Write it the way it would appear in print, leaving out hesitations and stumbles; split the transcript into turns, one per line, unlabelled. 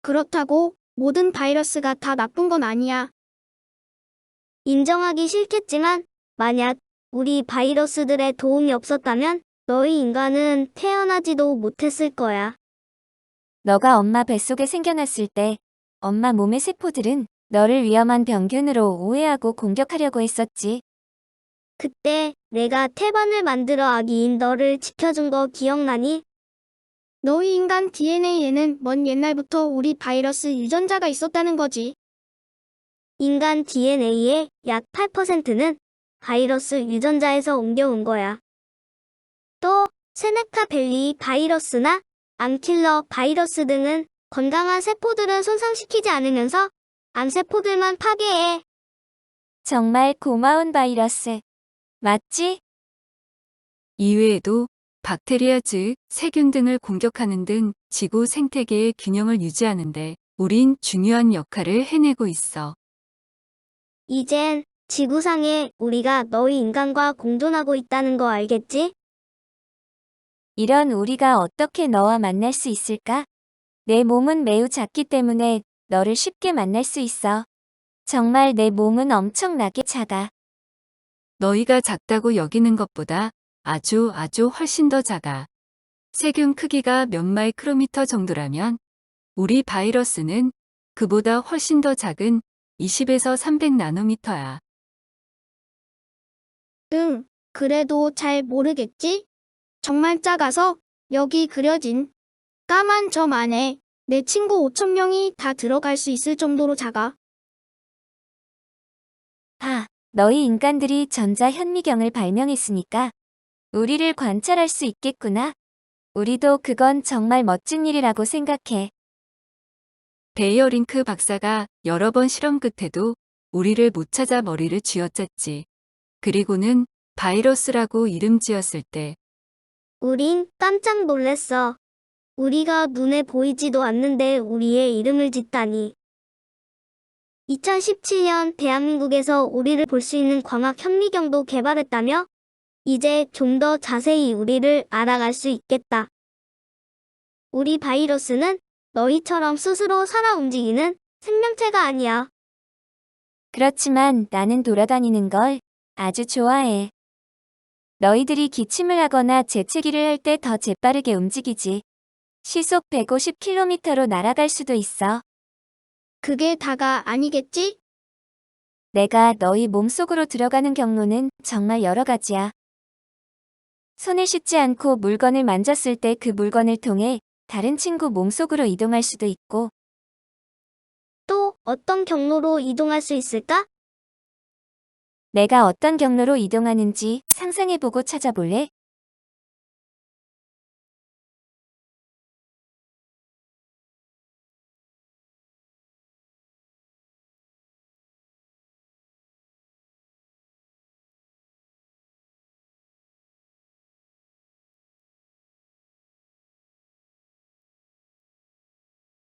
그렇다고 모든 바이러스가 다 나쁜 건 아니야.
인정하기 싫겠지만 만약 우리 바이러스들의 도움이 없었다면 너희 인간은 태어나지도 못했을 거야.
너가 엄마 뱃속에 생겨났을 때 엄마 몸의 세포들은 너를 위험한 병균으로 오해하고 공격하려고 했었지.
그때 내가 태반을 만들어 아기인 너를 지켜준 거 기억나니?
너희 인간 DNA에는 먼 옛날부터 우리 바이러스 유전자가 있었다는 거지.
인간 DNA의 약 8%는 바이러스 유전자에서 옮겨온 거야. 또 세네카 벨리 바이러스나 암킬러 바이러스 등은 건강한 세포들은 손상시키지 않으면서 암세포들만 파괴해.
정말 고마운 바이러스. 맞지?
이외에도 박테리아 즉 세균 등을 공격하는 등 지구 생태계의 균형을 유지하는데 우린 중요한 역할을 해내고 있어.
이젠 지구상에 우리가 너희 인간과 공존하고 있다는 거 알겠지?
이런 우리가 어떻게 너와 만날 수 있을까? 내 몸은 매우 작기 때문에 너를 쉽게 만날 수 있어. 정말 내 몸은 엄청나게 작아.
너희가 작다고 여기는 것보다 아주 훨씬 더 작아. 세균 크기가 몇 마이크로미터 정도라면 우리 바이러스는 그보다 훨씬 더 작은 20에서 300 나노미터야.
응, 그래도 잘 모르겠지? 정말 작아서 여기 그려진 까만 점 안에 내 친구 5,000명이 다 들어갈 수 있을 정도로 작아.
너희 인간들이 전자 현미경을 발명했으니까 우리를 관찰할 수 있겠구나. 우리도 그건 정말 멋진 일이라고 생각해.
베이어링크 박사가 여러 번 실험 끝에도 우리를 못 찾아 머리를 쥐어짰지. 그리고는 바이러스라고 이름 지었을 때
우린 깜짝 놀랐어. 우리가 눈에 보이지도 않는데 우리의 이름을 짓다니. 2017년 대한민국에서 우리를 볼 수 있는 광학 현미경도 개발했다며? 이제 좀 더 자세히 우리를 알아갈 수 있겠다. 우리 바이러스는 너희처럼 스스로 살아 움직이는 생명체가 아니야.
그렇지만 나는 돌아다니는 걸 아주 좋아해. 너희들이 기침을 하거나 재채기를 할 때 더 재빠르게 움직이지. 시속 150km로 날아갈 수도 있어.
그게 다가 아니겠지?
내가 너희 몸속으로 들어가는 경로는 정말 여러 가지야. 손을 씻지 않고 물건을 만졌을 때 그 물건을 통해 다른 친구 몸속으로 이동할 수도 있고,
또 어떤 경로로 이동할 수 있을까?
내가 어떤 경로로 이동하는지 상상해보고 찾아볼래?